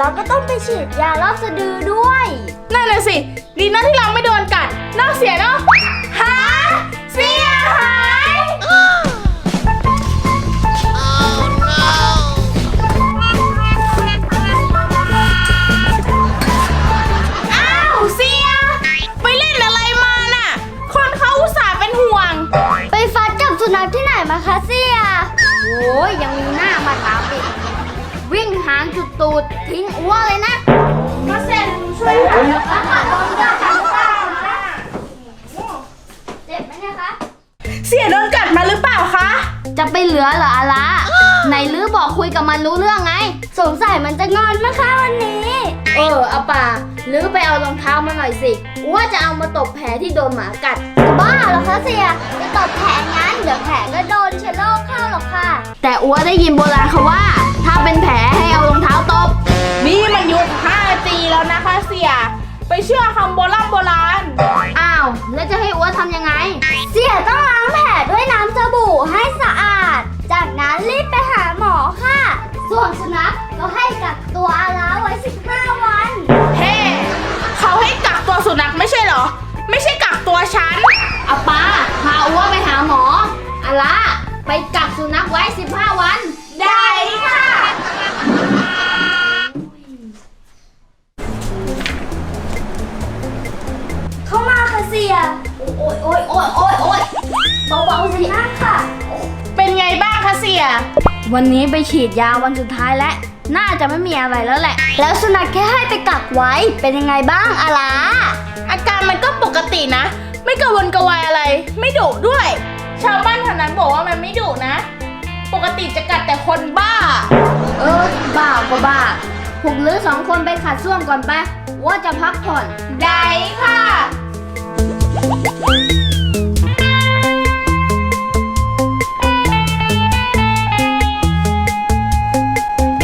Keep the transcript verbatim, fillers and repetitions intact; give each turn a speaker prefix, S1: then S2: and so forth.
S1: ก็ต้องไปฉีดยารอบสะดือด้วย
S2: นั่นน่ะสิดีนะที่เราไม่โดนกัดน่าเสียเนาะหาเสียหายอ้าวเสียไปเล่นอะไรมาน่ะคนเขาอุตส่าห์เป็นห่วง
S1: ไปฟัดกับสุนัขที่ไหนมาคะเสียโอ้ยยังมีหน้ามาถามอีกวิ่งหางจุดตูดทิ้งอ้วเลยนะ
S2: มาเซ็นช่วยหาแล้วค่ะโดนกัดค่ะ
S1: เจ็บไหมเนี่ยคะ
S2: เสียโดนกัดมาหรือเปล่าคะ
S1: จะไปเหลือเหรออาละไหนลือบอกคุยกับมันรู้เรื่องไงสงสัยมันจะงอนมั้งคะวันนี้เออเอาป่าลือไปเอารองเท้ามาหน่อยสิว่าจะเอามาตบแผลที่โดนหมากัดบ้าเหรอคะเสียจะตบแผลงั้นเดี๋ยวแผลก็โดนเชื้อโรคเข้าหรอกค่ะแต่อัวได้ยินโบราณเขาว่าถ้าเป็นแผลให้เอารองเท้าตบ
S2: นี่มันยุค ห้าจี แล้วนะคะเสียไปเชื่อคำโบราณโบราณ
S1: อ้าวแล้วจะให้อัวทำยังไงเสียต้องล้างแผลด้วยน้ำสบู่ให้สะอาดจากนั้นรีบไปหาหมอค่ะส่วนสุนัขก็ให้กักตัวอาลาไว้สิบห้าวัน
S2: เฮ้เขาให้กักตัวสุนัขไม่ใช่เหรอไม่ใช่กักตัวฉัน
S1: อาป้าพาอัวไปหาหมออาลาไปกักสุนัขไว้สิบห้าวัน
S2: ได้ค่ะ
S1: เข้ามาค่ะเสียโอ้ยโอ้ยโอ้ยโอ้ยโอ้ยเบาๆสินั่งค่ะ
S2: เป็นไงบ้างคะเสีย
S1: วันนี้ไปฉีดยาวันสุดท้ายแล้วน่าจะไม่มีอะไรแล้วแหละแล้วสุนัขแค่ให้ไปกักไว้เป็นยังไงบ้างอาลา
S2: อาการมันก็ปกตินะไม่กระวนกระวายอะไรไม่ดุด้วยชาวบ้านแถวนั้นบอกว่ามันไม่ดุนะปกติจะกัดแต่คนบ้า
S1: เออบ้าก็บ้าพวกลือสองคนไปขัดส้วมก่อนไปว่าจะพักผ่อน
S2: ได้ค่ะ